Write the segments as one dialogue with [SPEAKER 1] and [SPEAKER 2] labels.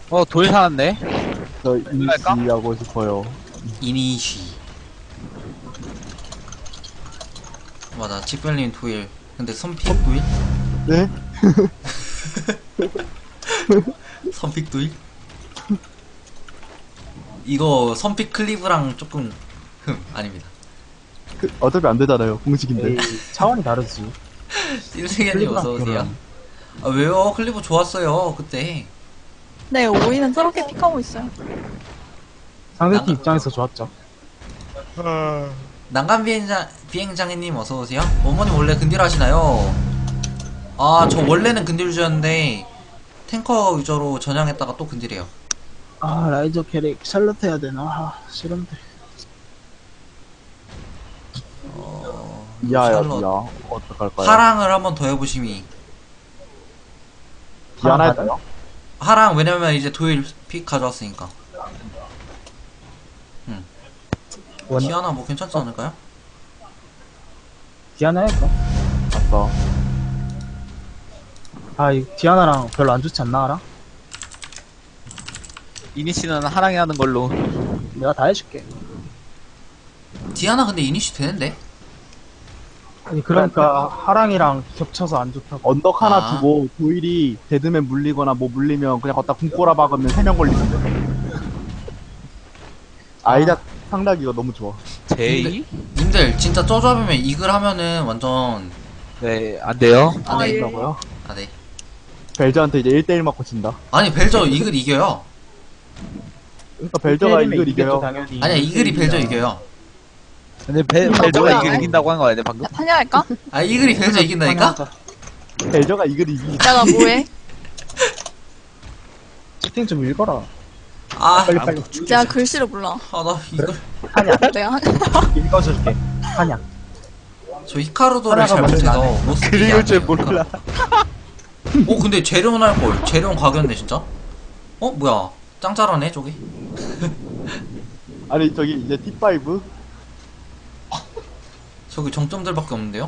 [SPEAKER 1] 돌 사왔네.
[SPEAKER 2] 저 이니시하고 싶어요.
[SPEAKER 3] 이니시. 맞아, 직별님 도일. 근데 선픽 도일?
[SPEAKER 2] 네?
[SPEAKER 3] 선픽 도일? 이거 선픽 클리브랑 조금 아닙니다.
[SPEAKER 2] 어차피 안 되잖아요. 공식인데.
[SPEAKER 4] 에이, 차원이 다르지.
[SPEAKER 3] 일생현님 어서오세요. 아, 왜요? 클리브 좋았어요, 그때.
[SPEAKER 5] 네, 오이는 저렇게 픽하고 있어요.
[SPEAKER 4] 상대팀 입장에서 좋았죠.
[SPEAKER 3] 난간 비행장애님 어서오세요. 어머님 원래 근딜 하시나요? 아, 저 원래는 근딜 유저였는데, 탱커 유저로 전향했다가 또 근딜해요.
[SPEAKER 4] 아, 라이저 캐릭 샬럿 해야 되나? 아, 싫은데.
[SPEAKER 2] 이하야,
[SPEAKER 3] 샬럿.
[SPEAKER 2] 이하. 어떡할까요?
[SPEAKER 3] 하랑을 한번 더 해보심이.
[SPEAKER 2] 디아나 해도요?
[SPEAKER 3] 하랑, 왜냐면 이제 도일 픽 가져왔으니까. 디아나 뭐 괜찮지 않을까요?
[SPEAKER 4] 디아나 할까?
[SPEAKER 2] 맞어.
[SPEAKER 4] 아, 이 디아나랑 별로 안 좋지 않나, 알아?
[SPEAKER 1] 이니씨는 하랑이 하는 걸로.
[SPEAKER 4] 내가 다 해줄게.
[SPEAKER 3] 디아나 근데 이니시 되는데?
[SPEAKER 4] 아니, 그러니까 하랑이랑 겹쳐서 안 좋다고.
[SPEAKER 2] 언덕 하나
[SPEAKER 3] 아.
[SPEAKER 2] 두고 도일이 데드맨 물리거나 뭐 물리면 그냥 걷다 궁꼬라 박으면 3명 걸리는데. 아이작 상락 이거 너무 좋아.
[SPEAKER 1] 제이?
[SPEAKER 3] 님들 진짜 저 조합이면 이글 하면은 완전
[SPEAKER 1] 네, 안 돼요.
[SPEAKER 5] 아, 예.
[SPEAKER 4] 된다고요?
[SPEAKER 3] 아, 네.
[SPEAKER 2] 벨저한테 이제 1대1 맞고 진다.
[SPEAKER 3] 아니 벨저 이글 이겨요.
[SPEAKER 2] 그러니까 벨저가
[SPEAKER 4] 때리면
[SPEAKER 2] 이걸
[SPEAKER 4] 이기겠죠,
[SPEAKER 2] 이겨요.
[SPEAKER 4] 당연히.
[SPEAKER 3] 아니야, 이글이 벨저 이겨요.
[SPEAKER 1] 근데 벨저가
[SPEAKER 5] 뭐야,
[SPEAKER 1] 이길
[SPEAKER 5] 왜?
[SPEAKER 1] 이긴다고 한 거 아니야, 방금?
[SPEAKER 5] 야, 탄야할까?
[SPEAKER 3] 아, 이글이 벨저 이긴다니까?
[SPEAKER 2] 벨저가 이걸 이기.
[SPEAKER 5] 야, 나 뭐해?
[SPEAKER 4] 채팅 좀 읽어라.
[SPEAKER 3] 아,
[SPEAKER 4] 빨리.
[SPEAKER 5] 내가 글씨를 몰라.
[SPEAKER 3] 아, 나 이글.
[SPEAKER 4] 한약.
[SPEAKER 5] 내가 한...
[SPEAKER 4] 읽어줄게. 한약.
[SPEAKER 3] 저 히카루도를 잘
[SPEAKER 4] 하나가
[SPEAKER 3] 못해서
[SPEAKER 4] 먼저
[SPEAKER 3] 못 쓰게
[SPEAKER 2] 그리울
[SPEAKER 3] 안
[SPEAKER 2] 줄
[SPEAKER 3] 해요,
[SPEAKER 2] 몰라.
[SPEAKER 3] 히카루. 근데 재련 할걸. 재련 가겠네, 진짜? 뭐야. 짱 잘하네, 저기.
[SPEAKER 2] 아니 저기 이제 T5
[SPEAKER 3] 저기 정점들밖에 없는데요?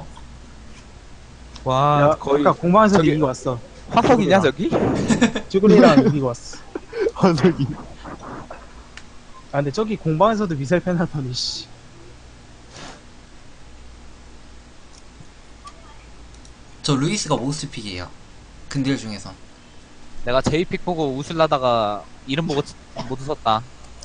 [SPEAKER 1] 와,
[SPEAKER 4] 야,
[SPEAKER 1] 거의
[SPEAKER 4] 아까 공방에서
[SPEAKER 1] 저기-
[SPEAKER 4] 이기고 왔어.
[SPEAKER 1] 화석이냐, 저기?
[SPEAKER 4] 쭈구리랑 이기고 왔어.
[SPEAKER 2] 헌석이.
[SPEAKER 4] 아, 근데 저기 공방에서도 미셀 팬 하더니, 씨.
[SPEAKER 3] 저 루이스가 모스트픽이에요. 근딜 중에서.
[SPEAKER 1] 내가 제이픽 보고 웃을라다가 이름 보고 못 웃었다.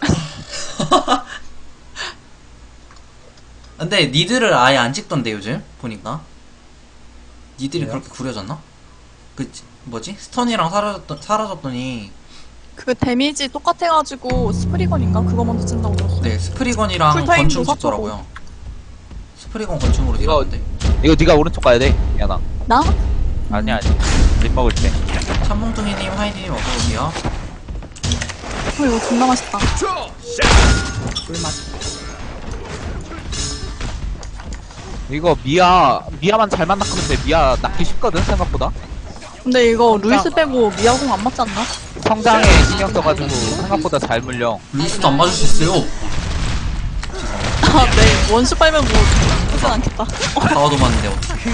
[SPEAKER 3] 근데 니들을 아예 안 찍던데 요즘 보니까. 니들이
[SPEAKER 4] 왜요?
[SPEAKER 3] 그렇게 구려졌나? 뭐지? 스턴이랑 사라졌더니
[SPEAKER 5] 그 데미지 똑같아가지고 스프리건인가? 그거 먼저 쓴다고 들었어.
[SPEAKER 3] 네, 스프리건이랑
[SPEAKER 5] 풀타임도
[SPEAKER 3] 건충 찍더라고요. 스프리건 건충으로
[SPEAKER 1] 이거-
[SPEAKER 3] 찍었는데.
[SPEAKER 1] 이거 네가 오른쪽 가야 돼, 야나.
[SPEAKER 5] 나?
[SPEAKER 1] 아니야, 립 먹을 때.
[SPEAKER 3] 참몽둥이님, 하이디님 어서오세요.
[SPEAKER 5] 이거 존나 맛있다.
[SPEAKER 4] 꿀맛.
[SPEAKER 1] 이거 미아만 잘 만나면 돼. 미아 낳기 쉽거든, 생각보다.
[SPEAKER 5] 근데 이거 루이스 빼고 미아공 안 맞지 않나?
[SPEAKER 1] 성장에 신경 써가지고 생각보다 잘 물려.
[SPEAKER 3] 루이스도 안 맞을 수 있어요.
[SPEAKER 5] 아, 네. 원수 빨면 뭐, 하진 않겠다.
[SPEAKER 3] 다와도 맞는데 어떡해.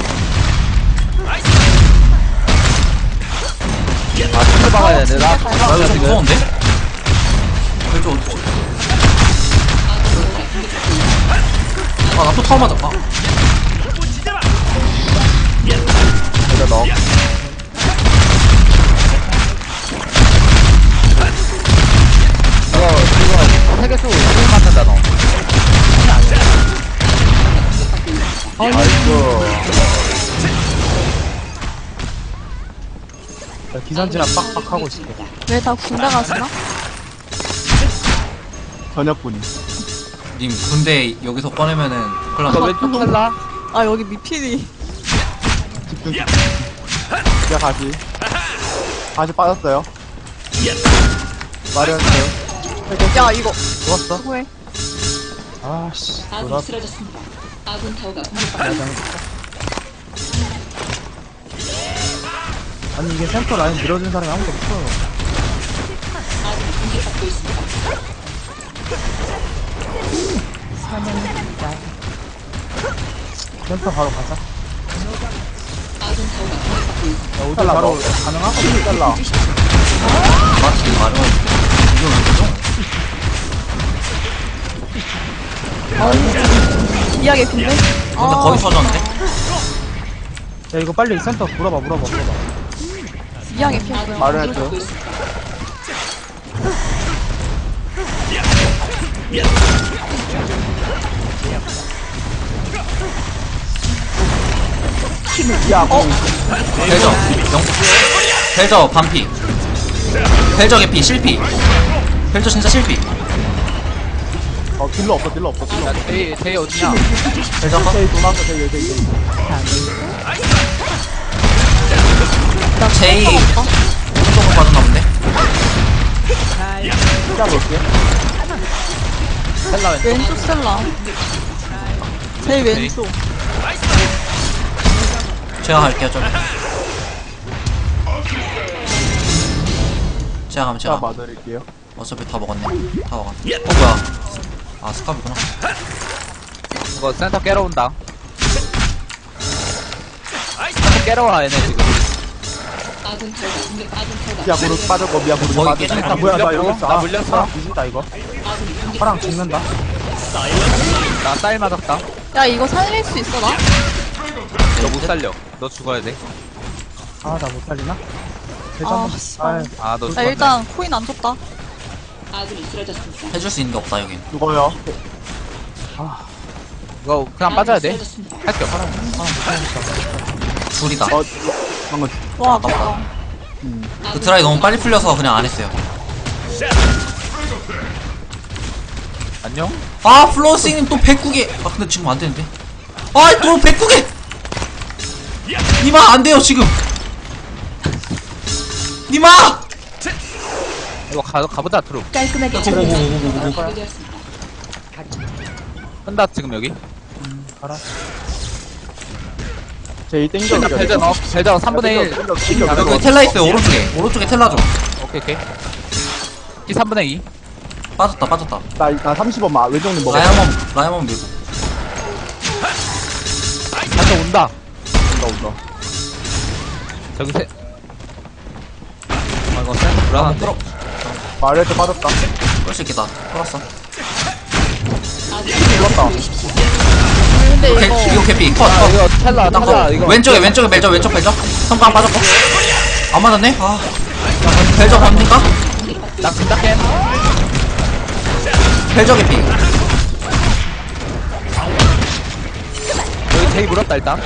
[SPEAKER 1] 아, 스킬 박아야 되는데. 나
[SPEAKER 3] 좀
[SPEAKER 1] 지금
[SPEAKER 3] 무서운데? 벨저 어디지? 나 또 타워 맞았다.
[SPEAKER 2] 내가 넣어.
[SPEAKER 1] 이거 세계수 스킬 맞는다, 너.
[SPEAKER 2] 아이고.
[SPEAKER 4] 나 기선지나 빡빡 하고 있을게.
[SPEAKER 5] 왜 다 군대 가시나?
[SPEAKER 2] 저녁분이.
[SPEAKER 3] 님 군대 여기서 꺼내면은 큰일
[SPEAKER 1] 너
[SPEAKER 3] 난다.
[SPEAKER 1] 왼쪽 텔라?
[SPEAKER 5] 아, 여기 미필이.
[SPEAKER 2] 집중. 야 다시. 다시 빠졌어요. 마련해요.
[SPEAKER 5] 야, 이거.
[SPEAKER 2] 좋았어.
[SPEAKER 5] 수고해.
[SPEAKER 4] 아, 씨.
[SPEAKER 6] 아군이
[SPEAKER 4] 놀아.
[SPEAKER 6] 쓰러졌습니다. 아군 타워가 공격받고
[SPEAKER 4] 아니, 이게 센터 라인 밀어준 사람이 아무도 없어.
[SPEAKER 6] 아군이 공격받고 있습니다.
[SPEAKER 4] 센터 바로 가자.
[SPEAKER 6] 아군 타워가 공격받고 있습니다.
[SPEAKER 4] 야, 오늘 바로 가능하거든.
[SPEAKER 2] 잘라.
[SPEAKER 3] 맞지, 말은.
[SPEAKER 5] 미아 개핀데?
[SPEAKER 3] 근데 거의 터졌는데?
[SPEAKER 4] 야 이거 빨리 센터 물어봐.
[SPEAKER 5] 미아 개핀 뭐야?
[SPEAKER 2] 말을 했죠.
[SPEAKER 6] 공격받고 있습니다.
[SPEAKER 2] 야, 공.
[SPEAKER 3] 벨저 벨저 반피 벨저 개피 실피 벨저 진짜 실피
[SPEAKER 2] 딜러 없어, 딜러 없어, 딜러
[SPEAKER 1] 야
[SPEAKER 2] 없어.
[SPEAKER 1] 제이 어디냐?
[SPEAKER 3] 벨저 컷
[SPEAKER 2] 제이 도망가, 제이.
[SPEAKER 3] 제이 조금 빠졌나 본데?
[SPEAKER 2] 진짜 볼게.
[SPEAKER 1] 셀라 왼쪽.
[SPEAKER 5] 왼쪽 셀라. 제일 왼쪽.
[SPEAKER 3] 제가 갈게요 좀 제가 가면
[SPEAKER 2] 제가
[SPEAKER 3] 제가
[SPEAKER 2] 봐드릴게요.
[SPEAKER 3] 어차피 다 먹었네 다 먹었네 뭐야 아 스카브구나
[SPEAKER 1] 이거 센터 깨러 온다. 센터 깨러 와 얘네 지금.
[SPEAKER 6] 아군 타워가
[SPEAKER 2] 미아 구르 빠졌고, 미아 구르
[SPEAKER 3] 거의
[SPEAKER 2] 빠졌고.
[SPEAKER 3] 깨졌다.
[SPEAKER 2] 아, 뭐야, 나 여기 있어.
[SPEAKER 1] 나
[SPEAKER 2] 아,
[SPEAKER 1] 물렸어.
[SPEAKER 4] 파랑 뒤진다 이거. 파랑 죽는다.
[SPEAKER 1] 나 쌀 맞았다.
[SPEAKER 5] 야 이거 살릴 수 있어 나?
[SPEAKER 1] 너 못 살려. 너 죽어야 돼.
[SPEAKER 4] 아 나 못 살리나?
[SPEAKER 5] 아
[SPEAKER 4] 아,
[SPEAKER 5] 씨발.
[SPEAKER 1] 아 너
[SPEAKER 5] 나
[SPEAKER 1] 죽었네.
[SPEAKER 5] 일단 코인 안 줬다.
[SPEAKER 6] 아군이 쓰러졌습니다.
[SPEAKER 3] 해줄 수 있는 게 없다 여긴
[SPEAKER 2] 죽어요.
[SPEAKER 1] 이거 그냥 빠져야 돼.
[SPEAKER 6] 쓰러졌습니다.
[SPEAKER 1] 할게 없어.
[SPEAKER 3] 둘이다
[SPEAKER 2] 방금.
[SPEAKER 5] 와 아깝다.
[SPEAKER 3] 그 드라이 너무 빨리 풀려서 그냥 안 했어요
[SPEAKER 1] 안녕?
[SPEAKER 3] 아 플로우스님 또 109개 아 근데 지금 안 되는데 아또 109개 니마 안 돼요 지금 니마
[SPEAKER 1] 이거 가보자 트루.
[SPEAKER 6] 깔끔하게
[SPEAKER 3] 오오오오오오
[SPEAKER 6] 파괴되었습니다.
[SPEAKER 1] 한다 지금 여기.
[SPEAKER 4] 가라.
[SPEAKER 2] 제이 땡겨.
[SPEAKER 1] 일단 벨저 넣어. 벨저 3분의 1.
[SPEAKER 3] 여기 텔라 있어요 오른쪽에 텔라 좀
[SPEAKER 1] 오케이 오케이. 이 3분의 2.
[SPEAKER 3] 빠졌다
[SPEAKER 2] 나 30원 왼쪽님 먹어.
[SPEAKER 3] 라이먼 밀고
[SPEAKER 1] 한번 온다.
[SPEAKER 2] 온다.
[SPEAKER 1] 저기 세. 아 이거 센터 불안한데.
[SPEAKER 3] 끌어
[SPEAKER 2] 말해도 빠졌다.
[SPEAKER 3] 끌 수 있겠다 끌었어
[SPEAKER 2] 죽었다.
[SPEAKER 5] 근데
[SPEAKER 3] 이거
[SPEAKER 5] 이거
[SPEAKER 3] 캐피 컷
[SPEAKER 1] 아 이거 텔라
[SPEAKER 3] 땅
[SPEAKER 1] 텔라
[SPEAKER 3] 컷.
[SPEAKER 1] 이거.
[SPEAKER 3] 왼쪽에 벨저 왼쪽 벨저 성광 빠졌고 안 맞았네 아 벨저 갑니까?
[SPEAKER 1] 나 진작해.
[SPEAKER 3] 벨저 개피
[SPEAKER 1] 여기 제이 물었다 일단.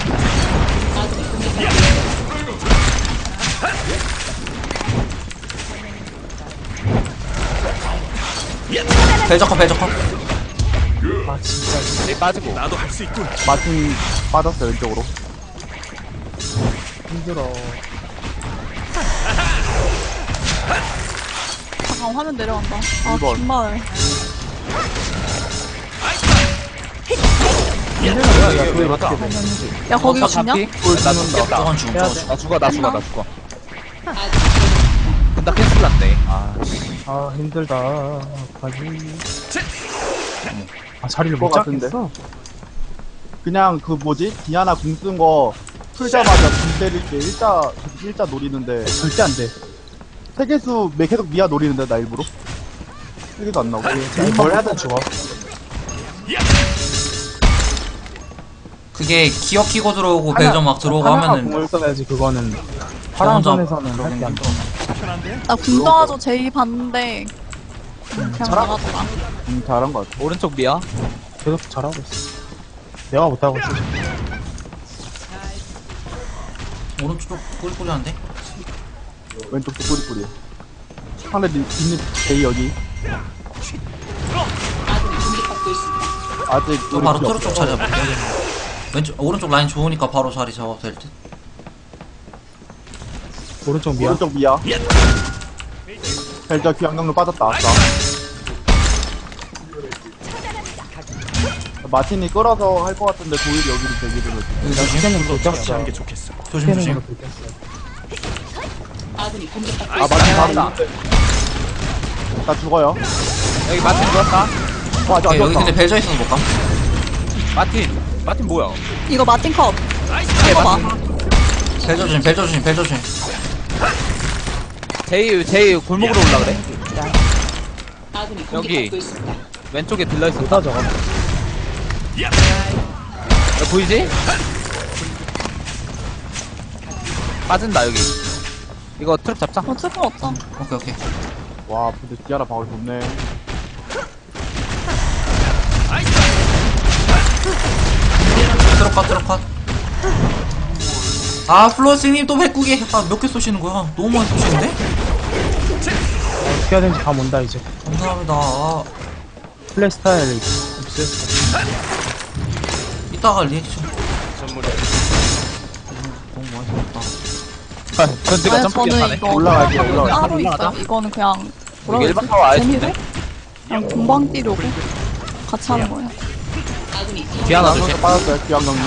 [SPEAKER 3] 벨저 컷
[SPEAKER 4] 아 진짜
[SPEAKER 1] 제이 빠지고.
[SPEAKER 2] 마틴 빠졌어, 왼쪽으로.
[SPEAKER 4] 힘들어.
[SPEAKER 5] 잠깐 화면 내려간다. 아
[SPEAKER 2] 이번.
[SPEAKER 5] 정말.
[SPEAKER 1] 야 그게 맞다.
[SPEAKER 5] 야 거기 주냐?
[SPEAKER 1] 나 죽겠다.
[SPEAKER 3] 저건 죽음 저건 죽음
[SPEAKER 1] 나 죽어. 근데 캔슬 났네. 아
[SPEAKER 4] 아 힘들다. 가지. 아 자리를 못
[SPEAKER 2] 그거 같은데?
[SPEAKER 4] 잡겠어.
[SPEAKER 2] 그냥 그 뭐지? 디아나 궁 쓴 거 풀자마자 궁 때릴 때 일자 노리는데
[SPEAKER 4] 절대 안 돼.
[SPEAKER 2] 세계수 계속 미아 노리는데 나 일부러? 세계수 안 나오고.
[SPEAKER 4] 뭘 하든 죽어.
[SPEAKER 3] 그게 기어 키고 들어오고 벨저 막 들어오고 하면은
[SPEAKER 2] 궁을
[SPEAKER 4] 써야지 그거는.
[SPEAKER 3] 저
[SPEAKER 4] 파랑
[SPEAKER 3] 혼자
[SPEAKER 4] 선에서는 할 게 안 돼.
[SPEAKER 5] 나 군동아조 제이 봤는데 그냥 나가더라.
[SPEAKER 2] 잘한 것 같아.
[SPEAKER 1] 오른쪽 미야.
[SPEAKER 4] 계속 잘하고 있어. 내가 못하고 있어.
[SPEAKER 3] 오른쪽 꼬리꼬리한데?
[SPEAKER 2] 왼쪽도 뿌리뿌리. 상대 뒷립 제이 여기.
[SPEAKER 6] 아군이 공격받고 있습니다.
[SPEAKER 2] 아직
[SPEAKER 3] 또
[SPEAKER 2] 우리
[SPEAKER 3] 바로
[SPEAKER 2] 필요
[SPEAKER 3] 트루 쪽
[SPEAKER 2] 없어.
[SPEAKER 3] 자리 잡을게 왼쪽 오른쪽 라인 좋으니까 바로 자리 잡아도 될 듯?
[SPEAKER 4] 오른쪽 미야.
[SPEAKER 2] 오른쪽 미야. 벨저 귀환경로 빠졌다. 아까. 마틴이 끌어서 할 것 같은데 도일이 여기로 대기를 해.
[SPEAKER 4] 시간은 못 잡았어.
[SPEAKER 3] 조심
[SPEAKER 6] 아군이 공격받고
[SPEAKER 2] 아 마틴 잡았다. 나 죽어요.
[SPEAKER 1] 여기 마틴 죽었다.
[SPEAKER 2] 아직 안
[SPEAKER 3] 오케이, 여기
[SPEAKER 2] 죽었다.
[SPEAKER 3] 근데 벨저 있어서 못 감?
[SPEAKER 1] 마틴 뭐야?
[SPEAKER 5] 이거 마틴 컵. 이거 봐.
[SPEAKER 3] 벨저 조심
[SPEAKER 1] 제이 골목으로 올라 그래.
[SPEAKER 6] 아군이
[SPEAKER 1] 여기.
[SPEAKER 6] 공격받고 있습니다.
[SPEAKER 1] 왼쪽에 들러 있어.
[SPEAKER 4] 못하 저거.
[SPEAKER 1] 야, 보이지? 빠진다 여기. 이거 트럭 잡자.
[SPEAKER 5] 어쩔 건 없다.
[SPEAKER 3] 오케이 오케이.
[SPEAKER 2] 와 근데 디아나 방울 좋네.
[SPEAKER 3] 트럭 컷. 아 플로스님 또 109개. 아 몇 개 쏘시는 거야? 너무 많이 쏘시는데?
[SPEAKER 4] 어떻게 해야 되는지 감 온다 이제.
[SPEAKER 3] 감사합니다. 아,
[SPEAKER 4] 플레이 스타일 없어요?
[SPEAKER 3] 이따가 리액션. 너무 많이 쏘았다.
[SPEAKER 1] 전지가
[SPEAKER 5] 아니,
[SPEAKER 1] 점프
[SPEAKER 5] 저는
[SPEAKER 1] 하네.
[SPEAKER 5] 이거
[SPEAKER 2] 올라갈게요, 올라갈게요.
[SPEAKER 5] 따로 있어요. 이거는 그냥 뭐라고
[SPEAKER 1] 이게
[SPEAKER 5] 해야
[SPEAKER 1] 일반 타워 아예
[SPEAKER 5] 재미로
[SPEAKER 1] 좋네.
[SPEAKER 5] 그냥 공방 뛰려고 같이 하는 거예요.
[SPEAKER 6] 아군이
[SPEAKER 1] 디아나
[SPEAKER 2] 선수
[SPEAKER 1] 조심.
[SPEAKER 2] 빠졌어요. 기왕 경로.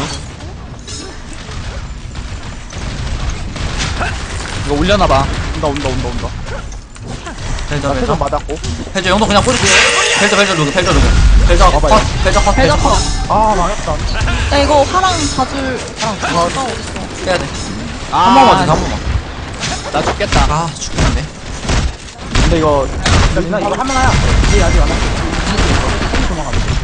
[SPEAKER 1] 이거 올려놔봐.
[SPEAKER 2] 온다.
[SPEAKER 3] 벨저
[SPEAKER 2] 나
[SPEAKER 3] 벨저.
[SPEAKER 2] 태전 맞았고.
[SPEAKER 3] 벨저 영도 그냥 뿌릴게. 벨저 루그. 벨저 컷.
[SPEAKER 2] 봐봐요.
[SPEAKER 3] 벨저 컷.
[SPEAKER 5] 벨저 컷.
[SPEAKER 4] 아 망했다.
[SPEAKER 5] 야 이거 화랑 봐줄 화가 어딨어?
[SPEAKER 3] 해야 돼.
[SPEAKER 1] 아,
[SPEAKER 3] 한 번만 더, 한 번만.
[SPEAKER 1] 나 죽겠다.
[SPEAKER 3] 아 죽겠는데.
[SPEAKER 2] 근데 이거
[SPEAKER 4] 나 이거 할만하야. 얘 아직 안 왔어. 도망가면 돼.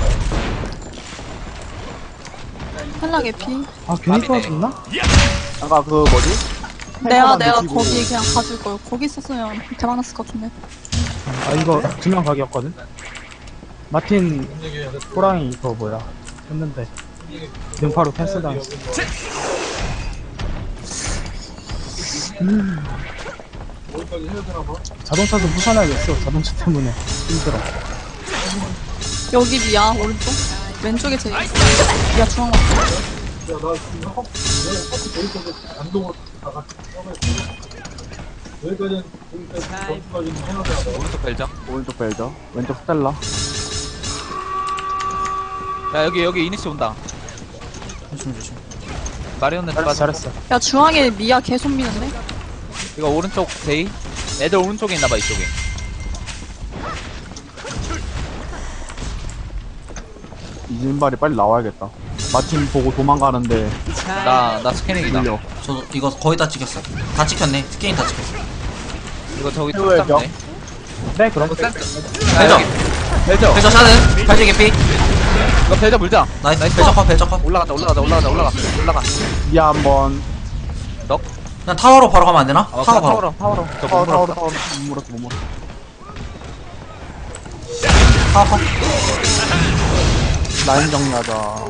[SPEAKER 5] 헬라 개피.
[SPEAKER 4] 아 괜히
[SPEAKER 1] 맘이네.
[SPEAKER 4] 도와줬나?
[SPEAKER 2] 아까 그 뭐지?
[SPEAKER 5] 내가
[SPEAKER 2] 놓치고.
[SPEAKER 5] 거기 그냥 가줄 걸. 거기 있었으면 대박 났을 것 같은데.
[SPEAKER 4] 아 이거 두 명 각이었거든. 마틴 호랑이 그거 뭐야 했는데 능파로 캔슬 당했어. 자동차도 부산해야겠어. 자동차 때문에 힘들어.
[SPEAKER 5] 여기 미야 오른쪽. 왼쪽에 제일 있어. 미야 중앙 맞고.
[SPEAKER 1] 오른쪽 벨저.
[SPEAKER 2] 오른쪽 벨저, 왼쪽 스텔라.
[SPEAKER 1] 야 여기 이니시 온다.
[SPEAKER 3] 조심.
[SPEAKER 1] 마리오네
[SPEAKER 4] 잘했어
[SPEAKER 1] 빠져.
[SPEAKER 4] 잘했어.
[SPEAKER 5] 야 중앙에 미야 계속 미는데.
[SPEAKER 1] 이거 오른쪽 데이. 애들 오른쪽에 있나봐 이쪽에.
[SPEAKER 2] 이진발이 빨리 나와야겠다. 마침 보고 도망가는데
[SPEAKER 1] 나 스캐닝이다.
[SPEAKER 2] 밀려.
[SPEAKER 3] 저 이거 거의 다 찍혔어. 다 찍혔네. 스케인 다 찍혔어.
[SPEAKER 1] 이거 저기
[SPEAKER 2] 최후의
[SPEAKER 1] 쪽 잡네.
[SPEAKER 4] 네 그럼.
[SPEAKER 1] 벨저.
[SPEAKER 3] 벨저. 벨저 샤든. 발제 개피.
[SPEAKER 1] 이거 벨저 물자.
[SPEAKER 3] 나이스. 벨저 컷.
[SPEAKER 1] 올라가.
[SPEAKER 2] 미아 한번.
[SPEAKER 3] 그냥 타워로 바로 가면 안 되나?
[SPEAKER 1] 어,
[SPEAKER 3] 타워 바로.
[SPEAKER 1] 타워로. 저
[SPEAKER 2] 타워
[SPEAKER 1] 물었다.
[SPEAKER 2] 못 물었어.
[SPEAKER 3] 타워 컷.
[SPEAKER 2] 라인 정리하자.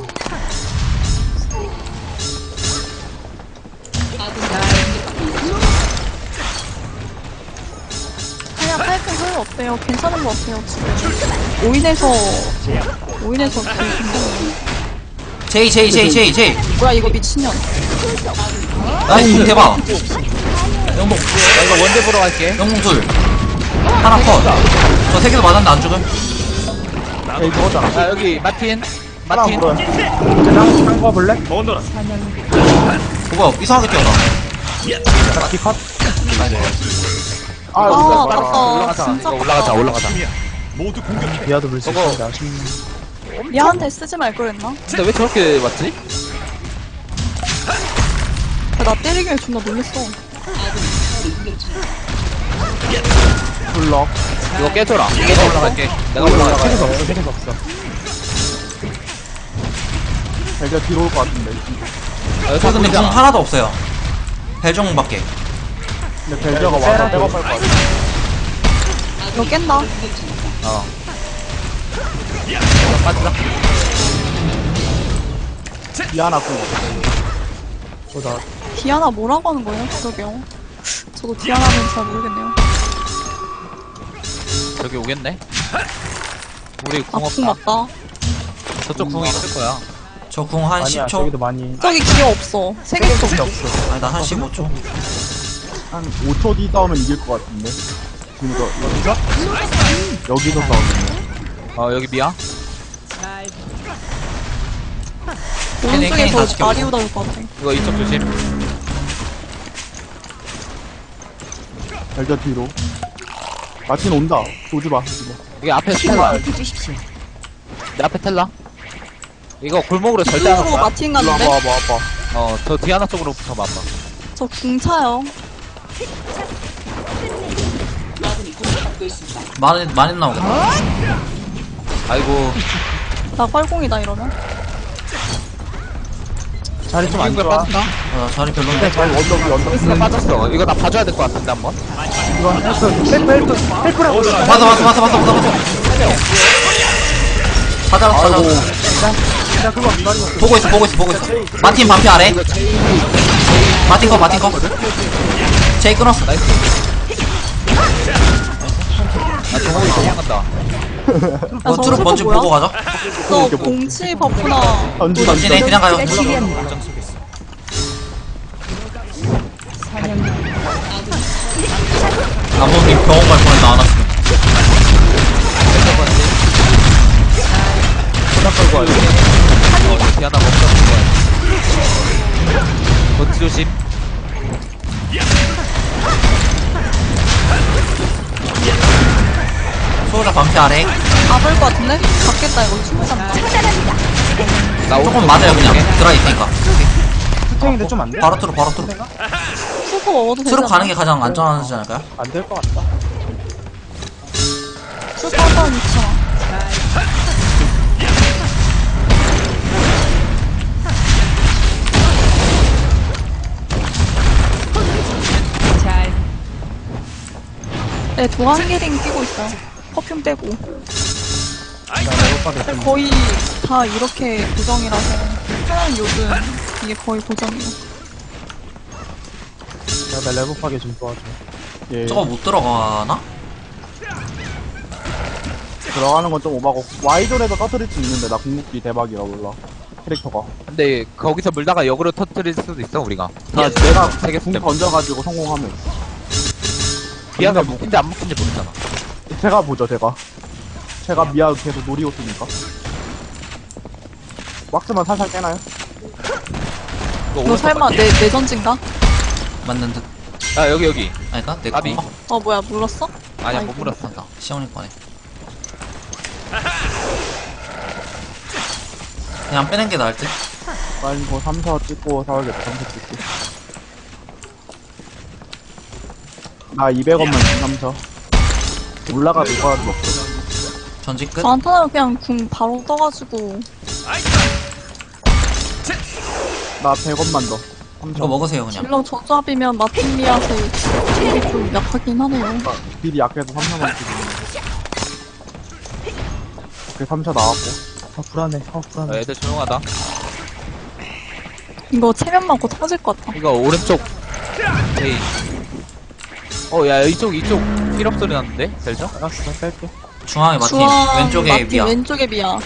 [SPEAKER 5] 그냥 파이프 소용 어때요? 괜찮은 거 같아요 지금. 오인에서 되게 굉장히.
[SPEAKER 3] 제이.
[SPEAKER 5] 뭐야 이거 미친년.
[SPEAKER 3] 나이스. 대박. 영봉.
[SPEAKER 1] 나 이거 원대 보러 갈게.
[SPEAKER 3] 영봉 둘. 하나 컷. 저 세 개도 맞았는데 안 죽음.
[SPEAKER 2] 에이 저거잖아.
[SPEAKER 1] 야 여기 마틴.
[SPEAKER 2] 하나
[SPEAKER 1] 마틴.
[SPEAKER 2] 물어요.
[SPEAKER 4] 한 거 볼래?
[SPEAKER 3] 그거 이상하게 뛰어나.
[SPEAKER 4] 기컷.
[SPEAKER 2] 아,
[SPEAKER 5] 아
[SPEAKER 2] 올라가.
[SPEAKER 5] 아깝다.
[SPEAKER 1] 올라가자.
[SPEAKER 5] 진짜
[SPEAKER 1] 이거
[SPEAKER 5] 아깝다.
[SPEAKER 1] 올라가자.
[SPEAKER 4] 비아도 물수
[SPEAKER 1] 저거-
[SPEAKER 4] 있는데 아쉽네.
[SPEAKER 5] 미아한테 쓰지 말 그랬나?
[SPEAKER 1] 근데 왜 저렇게 왔지?
[SPEAKER 5] 나 때리길래 존나 놀랬어.
[SPEAKER 2] 블럭.
[SPEAKER 1] 이거 깨줘라. 내가 올라갈게. 내가 올라갈게.
[SPEAKER 4] 세개도 없어. 세개도 없어.
[SPEAKER 2] 벨저 뒤로 올 것 같은데.
[SPEAKER 3] 저 근데 궁 하나도 없어요. 벨종밖에.
[SPEAKER 2] 근데 벨저가 와서 백업할 것 같아.
[SPEAKER 5] 이거 깬다.
[SPEAKER 1] 어. 빠지자.
[SPEAKER 2] 디아나 궁.
[SPEAKER 4] 저다.
[SPEAKER 5] 디아나 뭐라고 하는 거예요? 그러게요. 저도 디아나는 잘 모르겠네요.
[SPEAKER 1] 저기 오겠네. 우리 궁
[SPEAKER 5] 아궁
[SPEAKER 1] 없다.
[SPEAKER 5] 맞다.
[SPEAKER 1] 저쪽 궁이 있을 거야.
[SPEAKER 3] 저 궁 한
[SPEAKER 4] 아니야
[SPEAKER 3] 10초.
[SPEAKER 4] 저기도 많이.
[SPEAKER 5] 저기 기어 없어. 세 개도 없어.
[SPEAKER 3] 아니 나 한 15초.
[SPEAKER 2] 한 5초 뒤 싸우면 이길 것 같은데. 지금 여기서 싸우면.
[SPEAKER 1] 어 여기 미야.
[SPEAKER 3] 케니 다
[SPEAKER 5] 오른쪽에서
[SPEAKER 3] 지켰고.
[SPEAKER 5] 마리오다 올 것 같아.
[SPEAKER 1] 이거 이쪽 조심.
[SPEAKER 2] 벨저 뒤로. 마틴 온다. 오지 마.
[SPEAKER 1] 여기 앞에 텔라. 내 앞에 텔라. 이거 골목으로 절대 안 올
[SPEAKER 5] 로
[SPEAKER 1] 거야.
[SPEAKER 5] 마틴
[SPEAKER 2] 일로 와봐,
[SPEAKER 5] 갔는데?
[SPEAKER 2] 와봐, 와봐.
[SPEAKER 1] 어, 저 디아나 쪽으로 붙어봐.
[SPEAKER 5] 저 궁 차요.
[SPEAKER 6] 아군이 공격받고 있습니다.
[SPEAKER 3] 많이 나오겠다.
[SPEAKER 1] 아이고.
[SPEAKER 5] 나 뻘공이다 이러면.
[SPEAKER 4] 자리 좀 안
[SPEAKER 1] 이거
[SPEAKER 4] 좋아.
[SPEAKER 1] 빠졌나?
[SPEAKER 3] 자리 별론데.
[SPEAKER 1] 이거 빠졌어. 이거 나 봐줘야 될 것 같은데 한번.
[SPEAKER 4] 이거 헬프라고.
[SPEAKER 3] 맞아. 찾아.
[SPEAKER 4] 나 그거 안 말이야.
[SPEAKER 3] 보고 있어. 마틴 반피 아래. 마틴 거. 제이 끊었어.
[SPEAKER 1] 나이스. 나 정국이 도망간다.
[SPEAKER 3] 뭐 트럭 먼저 보고 가자.
[SPEAKER 5] 저 공치 버프나
[SPEAKER 3] 전진해 그냥 가요. 나무님 병원 갈 뻔했다 안 왔으면.
[SPEAKER 1] 하나 걸고 와요. 디아나 먹다 거야. 번지 조심.
[SPEAKER 3] 소유자 반피 아래.
[SPEAKER 5] 아플 것 같은데? 잡겠다 이거 충분히 잡다.
[SPEAKER 1] 나
[SPEAKER 3] 조금 맞아요 그냥. 드라이 있으니까.
[SPEAKER 4] 스팅인데 좀 안 돼?
[SPEAKER 3] 바로 트루.
[SPEAKER 5] 수소 먹어도 되지
[SPEAKER 3] 트루 가는
[SPEAKER 5] 않나?
[SPEAKER 3] 게 가장 안전하지 않을까요?
[SPEAKER 4] 안 될 것 같다.
[SPEAKER 5] 수소 한번 있잖아. 네, 도안개링 끼고 있어요. 퍼퓸 빼고. 근데 거의 다 이렇게 고정이라서 하는 요즘 이게 거의 고정이에요.
[SPEAKER 4] 나 레버파게 좀 도와줘.
[SPEAKER 2] 예.
[SPEAKER 3] 저거 못 들어가나?
[SPEAKER 2] 들어가는 건 좀 오바고 와이존에서 터뜨릴 수 있는데 나 궁극기 대박이라 몰라 캐릭터가.
[SPEAKER 1] 근데 거기서 물다가 역으로 터뜨릴 수도 있어 우리가.
[SPEAKER 2] 나 내가
[SPEAKER 1] 되게
[SPEAKER 2] 궁
[SPEAKER 1] 때문에.
[SPEAKER 2] 던져가지고 성공하면
[SPEAKER 1] 미아가 묶인지 안 묶인지 모르잖아.
[SPEAKER 2] 제가 보죠 제가 미아 계속 노리고 있으니까. 왁스만 살살 깨나요?
[SPEAKER 5] 너 설마 내 전진가?
[SPEAKER 3] 맞는 듯.
[SPEAKER 1] 아 여기.
[SPEAKER 3] 아닐까? 내
[SPEAKER 1] 까비.
[SPEAKER 3] 건가?
[SPEAKER 5] 어 뭐야 물렀어?
[SPEAKER 1] 아니야
[SPEAKER 5] 아이고.
[SPEAKER 1] 못 물었어.
[SPEAKER 3] 맞다. 시원이 거네. 그냥 빼는 게 나을 듯.
[SPEAKER 2] 빨리 뭐 3사 찍고 사야겠다. 3사 찍고 나 200원만 준 3사 올라가도 이거라도 먹고.
[SPEAKER 3] 전직 끝.
[SPEAKER 5] 저 안타나면 그냥 궁 바로 떠가지고
[SPEAKER 2] 나 100원만 더.
[SPEAKER 3] 이거 먹으세요 그냥.
[SPEAKER 5] 딜러 저조합이면 마틴리아서 딜이 좀 약하긴 하네요.
[SPEAKER 2] 딜이 약해서 3사만 찍고. 그 3사 나왔고.
[SPEAKER 4] 불안해. 불안해.
[SPEAKER 1] 애들 조용하다.
[SPEAKER 5] 이거 체면 맞고 터질 것 같아.
[SPEAKER 1] 이거 오른쪽 제이. 야 이쪽 필업 소리 났는데 델죠?
[SPEAKER 4] 알았어, 뺄게.
[SPEAKER 3] 중앙에 마틴.
[SPEAKER 5] 중앙
[SPEAKER 3] 왼쪽에
[SPEAKER 5] 마틴,
[SPEAKER 3] 미아.
[SPEAKER 5] 왼쪽에 미아.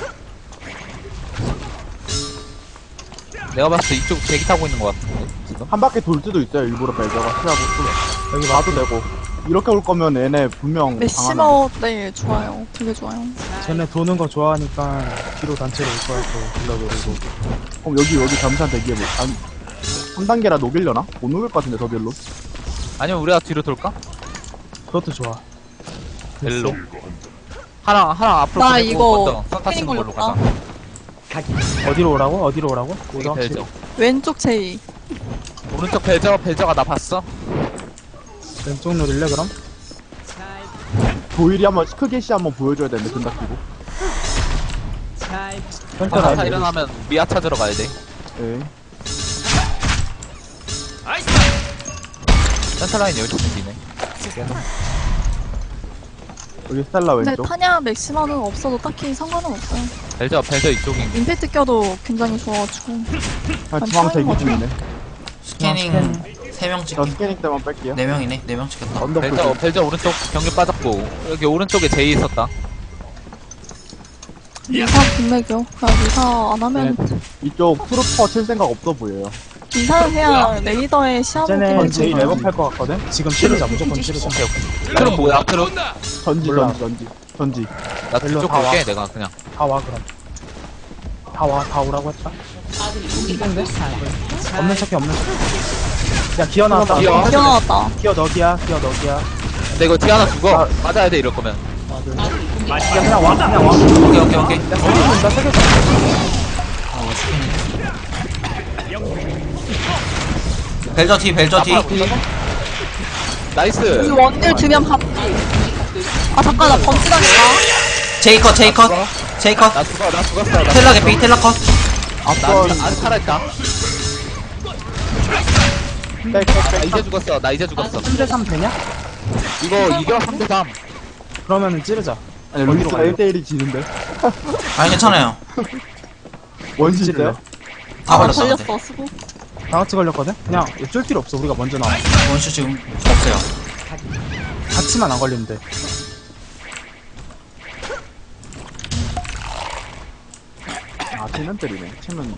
[SPEAKER 1] 내가 봤을 때 이쪽 대기 타고 있는 것 같은데 지금.
[SPEAKER 2] 한 바퀴 돌 수도 있어요. 일부러 벨저가 피하고 또 여기 와도 되고. 이렇게 올 거면 얘네 분명 강하면
[SPEAKER 5] 메시머 네 좋아요. 되게 좋아요.
[SPEAKER 4] 쟤네 도는 거 좋아하니까 뒤로 단체로 올 거야, 또. 불러 노리고.
[SPEAKER 2] 그럼 여기 잠시만 대기해보. 3단계라 녹일려나? 못 녹일 것 같은데 더 별로.
[SPEAKER 1] 아니면 우리가 뒤로 돌까?
[SPEAKER 4] 그것도 좋아.
[SPEAKER 1] 벨로. 하나 앞으로
[SPEAKER 5] 나
[SPEAKER 1] 보내고
[SPEAKER 5] 이거
[SPEAKER 1] 먼저 선 타치는
[SPEAKER 5] 패링
[SPEAKER 1] 걸로
[SPEAKER 5] 걸렸다.
[SPEAKER 1] 가자.
[SPEAKER 4] 어디로 오라고?
[SPEAKER 1] 여기 벨저.
[SPEAKER 5] 왼쪽 제이.
[SPEAKER 1] 오른쪽 벨저가 나 봤어.
[SPEAKER 4] 왼쪽 노릴래, 그럼?
[SPEAKER 2] 도일이 한번 크게시 한번 보여줘야 되는데 근다 끼고.
[SPEAKER 4] 센터
[SPEAKER 1] 하나
[SPEAKER 4] 라인
[SPEAKER 1] 일어나면 미아 찾으러 가야 돼.
[SPEAKER 2] 예.
[SPEAKER 1] 센터 라인 여기 생기네.
[SPEAKER 2] 여기 스텔라
[SPEAKER 5] 근데
[SPEAKER 2] 왼쪽.
[SPEAKER 5] 타냐 맥시마는 없어도 딱히 상관은 없어요.
[SPEAKER 1] 벨저 이쪽인.
[SPEAKER 5] 임팩트 껴도 굉장히 좋아가지고.
[SPEAKER 2] 아, 중앙 대기 중이네.
[SPEAKER 3] 스캐닝 3명
[SPEAKER 2] 저
[SPEAKER 3] 찍기.
[SPEAKER 2] 스캐닝 때만 뺄게요.
[SPEAKER 3] 4명이네. 4명 찍겠다.
[SPEAKER 2] 언더풀.
[SPEAKER 1] 벨저 오른쪽 경류 빠졌고 여기 오른쪽에 제이 있었다.
[SPEAKER 5] 미사 분맥이요. 그냥 미사 안 하면
[SPEAKER 2] 이쪽 트루퍼 칠 생각 없어 보여요.
[SPEAKER 5] 미사를 해야 레이더에 시야를
[SPEAKER 4] 쟤네
[SPEAKER 5] 보는
[SPEAKER 4] 제일
[SPEAKER 5] 거잖아.
[SPEAKER 4] 레벨 팔것 같거든? 지금 치르자, 무조건 치르자.
[SPEAKER 1] 트럭 뭐야 트럭?
[SPEAKER 2] 전지.
[SPEAKER 1] 나
[SPEAKER 4] 벨로
[SPEAKER 1] 뒤쪽
[SPEAKER 4] 다 와.
[SPEAKER 1] 볼게 내가 그냥.
[SPEAKER 4] 다 와, 그럼. 다 오라고 했다.
[SPEAKER 6] 아군이 공격받고 있습니다.
[SPEAKER 4] 없는 척해. 야, 기어 나왔다.
[SPEAKER 1] 기어.
[SPEAKER 5] 기어 나왔다.
[SPEAKER 4] 기어 너기야.
[SPEAKER 1] 근데 이거 뒤 하나 죽어. 맞아야 돼 이럴 거면.
[SPEAKER 4] 야, 그냥 와.
[SPEAKER 3] 오케이.
[SPEAKER 4] 야, 세개 준다, 세개 준다.
[SPEAKER 3] 왜 스캐닝. 벨저 뒤.
[SPEAKER 1] 나이스.
[SPEAKER 5] 이 원딜 두면 밥. 아 잠깐 나 번지당했다.
[SPEAKER 3] 제이 컷.
[SPEAKER 1] 나 죽었어.
[SPEAKER 3] 텔라 개피. 텔라 컷.
[SPEAKER 1] 나 살아있다. 나 이제 죽었어. 나 이제 죽었어.
[SPEAKER 4] 3대3 되냐?
[SPEAKER 1] 이거 이겨 3대3.
[SPEAKER 4] 그러면은 찌르자.
[SPEAKER 2] 아니 루이스가 1대1이 지는데
[SPEAKER 3] 아니 괜찮아요.
[SPEAKER 2] 원시
[SPEAKER 4] 찌를래?
[SPEAKER 2] 있어요?
[SPEAKER 3] 다 걸렸어 근데.
[SPEAKER 5] 걸렸어, 수고.
[SPEAKER 4] 다 같이 걸렸거든? 그냥 어쩔 필요 없어. 우리가 먼저 나와.
[SPEAKER 3] 원슈 지금 없어요.
[SPEAKER 4] 같이만 안 걸리면 돼.
[SPEAKER 2] 아 치는 때리네 치면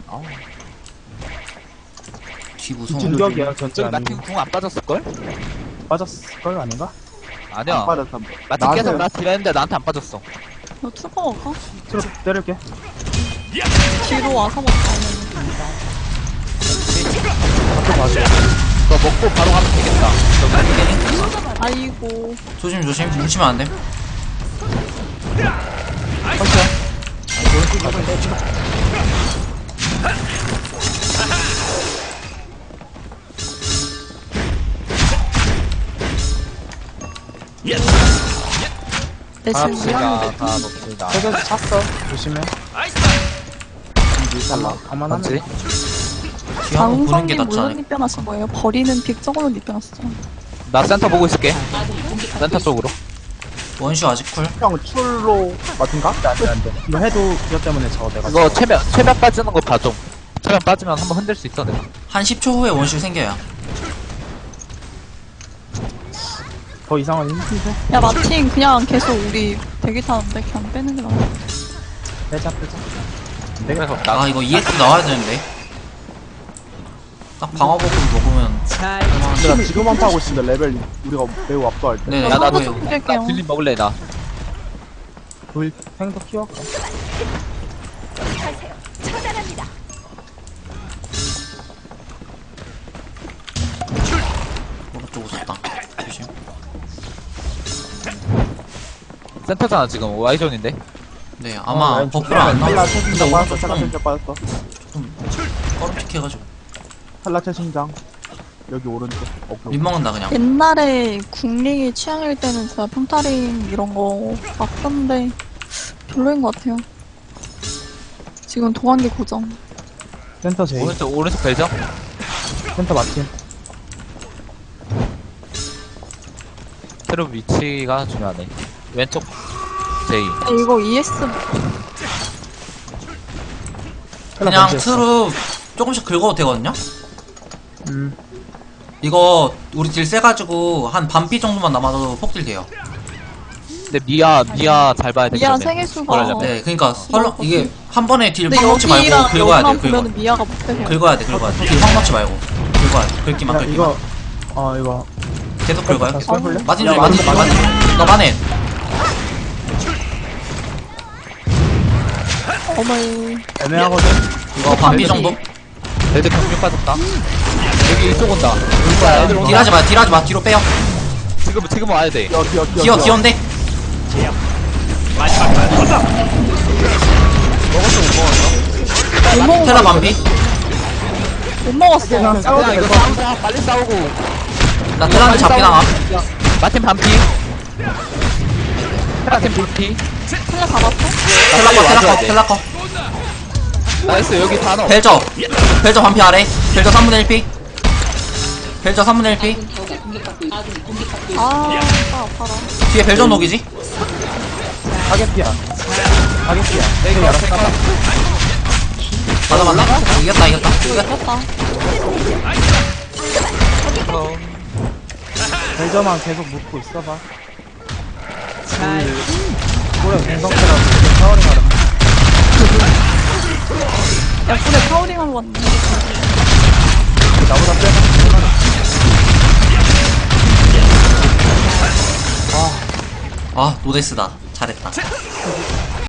[SPEAKER 3] 뒤 무서워.
[SPEAKER 2] 뒤로.
[SPEAKER 4] 공격이야, 전체
[SPEAKER 1] 저기
[SPEAKER 4] 아니고.
[SPEAKER 1] 마틴 궁안 빠졌을걸?
[SPEAKER 4] 빠졌을걸 아닌가?
[SPEAKER 1] 아니야.
[SPEAKER 2] 안 빠졌어
[SPEAKER 1] 마틴 계속 나 딜했는데 나한테 안 빠졌어.
[SPEAKER 5] 너 투거 먹어?
[SPEAKER 4] 트로 때릴게.
[SPEAKER 5] 뒤로 와서 먹자.
[SPEAKER 4] 앞으로 가자.
[SPEAKER 1] 너 먹고 바로 가면 되겠다.
[SPEAKER 5] 아이고.
[SPEAKER 3] 조심 조심. 뭉치면 안 돼.
[SPEAKER 5] 내
[SPEAKER 1] 다
[SPEAKER 5] 지금
[SPEAKER 1] 봅시다.
[SPEAKER 5] 미안해.
[SPEAKER 1] 다 봅시다.
[SPEAKER 4] 세계에서 찼어. 조심해. 가만하면
[SPEAKER 1] 맞지?
[SPEAKER 3] 뒤 한번 보는 게
[SPEAKER 5] 장성님
[SPEAKER 3] 낫지
[SPEAKER 5] 물론
[SPEAKER 3] 않을까?
[SPEAKER 5] 입변하신 거예요? 버리는 빅 저걸로 입변하시죠?
[SPEAKER 1] 나 센터 보고 있을게. 센터 쪽으로.
[SPEAKER 3] 원슈 아직 쿨.
[SPEAKER 2] 형 출로 같은가?
[SPEAKER 4] 안돼. 이거 해도 기어 때문에 저 내가.
[SPEAKER 1] 이거 최면 빠지는 거 봐줘. 최면 빠지면 한번 흔들 수 있어 내가.
[SPEAKER 3] 한 10초 후에 원슈 생겨요.
[SPEAKER 4] 더 이상한 힌트인데?
[SPEAKER 5] 야, 마틴 그냥 계속 우리 대기 타는데 그냥 빼는 게 나아.
[SPEAKER 4] 빼자.
[SPEAKER 1] 그래서
[SPEAKER 3] 아 이거 EX 나와야 되는데. 딱 방어복을 먹으면
[SPEAKER 2] 내가 지금만 파고 있는데 레벨이 우리가 매우 압도할 때
[SPEAKER 3] 네네.
[SPEAKER 1] 야, 나도
[SPEAKER 5] 나도 좀 뺄게요.
[SPEAKER 1] 빌린 먹을래 나.
[SPEAKER 4] 불 생도 키워까?
[SPEAKER 3] 오른쪽 웃었다. 조심.
[SPEAKER 1] 센터잖아 지금 Y존인데.
[SPEAKER 3] 네 아마 버프를 안
[SPEAKER 2] 탈라
[SPEAKER 3] 나와.
[SPEAKER 2] 최신장
[SPEAKER 3] 근데
[SPEAKER 2] 빠졌어
[SPEAKER 3] 오른쪽
[SPEAKER 2] 탈라
[SPEAKER 3] 좀
[SPEAKER 2] 최신장 빠졌어
[SPEAKER 3] 꺼름틱해가지고
[SPEAKER 2] 탈라 최신장 여기 오른쪽
[SPEAKER 3] 립 먹는다 그냥.
[SPEAKER 5] 옛날에 국링이 취향일 때는 진짜 평타링 이런 거 막 썼는데 별로인 것 같아요. 지금 도관계 고정.
[SPEAKER 4] 센터 제이.
[SPEAKER 1] 오른쪽 벨죠?
[SPEAKER 4] 센터 마틴.
[SPEAKER 1] 새로 위치가 중요하네. 왼쪽 제이.
[SPEAKER 5] 야, 이거 ES
[SPEAKER 3] 그냥
[SPEAKER 4] 번지했어.
[SPEAKER 3] 트루 조금씩 긁어도 되거든요?
[SPEAKER 4] 음.
[SPEAKER 3] 이거 우리 딜 세가지고 한 반피 정도만 남아도 폭딜 돼요.
[SPEAKER 1] 근데 미아 잘 봐야 돼.
[SPEAKER 5] 미아
[SPEAKER 1] 그러면.
[SPEAKER 5] 생일수가
[SPEAKER 1] 그러려면.
[SPEAKER 3] 네 그니까 설렁 이게 한 번에 딜
[SPEAKER 5] 근데
[SPEAKER 3] 확 넣지 말고
[SPEAKER 5] 여기랑
[SPEAKER 3] 긁어야
[SPEAKER 5] 여기만
[SPEAKER 3] 돼
[SPEAKER 5] 보면 미아가 못 빼요.
[SPEAKER 3] 긁어야 돼 딜확 넣지 말고 긁어야 돼 긁기만
[SPEAKER 4] 야,
[SPEAKER 3] 긁기만
[SPEAKER 4] 이거 이거
[SPEAKER 3] 계속 긁어요.
[SPEAKER 4] 다시 해볼래?
[SPEAKER 3] 마틴
[SPEAKER 2] 야,
[SPEAKER 3] 조심 마틴 조심
[SPEAKER 2] 마틴,
[SPEAKER 3] 마틴 너 마네.
[SPEAKER 5] 어머.
[SPEAKER 4] 애매하거든.
[SPEAKER 3] 이거 반피 정도?
[SPEAKER 1] 레드 경력 빠졌다. 여기 이쪽 온다. 올 거야. 애들 온다.
[SPEAKER 3] 딜하지 마 뒤로 빼요.
[SPEAKER 1] 지금 와야 돼.
[SPEAKER 3] 기어인데?
[SPEAKER 5] 못 먹어.
[SPEAKER 3] 테라 반피.
[SPEAKER 5] 못 먹었어.
[SPEAKER 4] 그냥 싸워도
[SPEAKER 1] 그냥
[SPEAKER 4] 될
[SPEAKER 1] 이거
[SPEAKER 4] 것 같아.
[SPEAKER 1] 싸우자. 빨리 싸우고.
[SPEAKER 3] 나 테라한테 잡기 나가.
[SPEAKER 1] 마틴 반피. 마틴 반피.
[SPEAKER 5] 하나 잡았어?
[SPEAKER 3] 텔라커
[SPEAKER 1] 나이스 여기 다 넣어.
[SPEAKER 3] 벨저 반피 아래. 벨저 3분의 1피. 벨저 3분의 1피.
[SPEAKER 5] 아, 아파라.
[SPEAKER 3] 뒤에 벨저 녹이지?
[SPEAKER 4] 타겟피야. 타겟피야.
[SPEAKER 1] 내가 알았어.
[SPEAKER 3] 맞아 이겼다
[SPEAKER 5] 이겼다.
[SPEAKER 4] 벨저만 계속 묶고 있어봐. 그래 공성태라고 타워링 하라.
[SPEAKER 5] 야, 근데 파워링하러 왔네.
[SPEAKER 4] 나보다 빼.
[SPEAKER 3] 아 노데스다. 잘했다.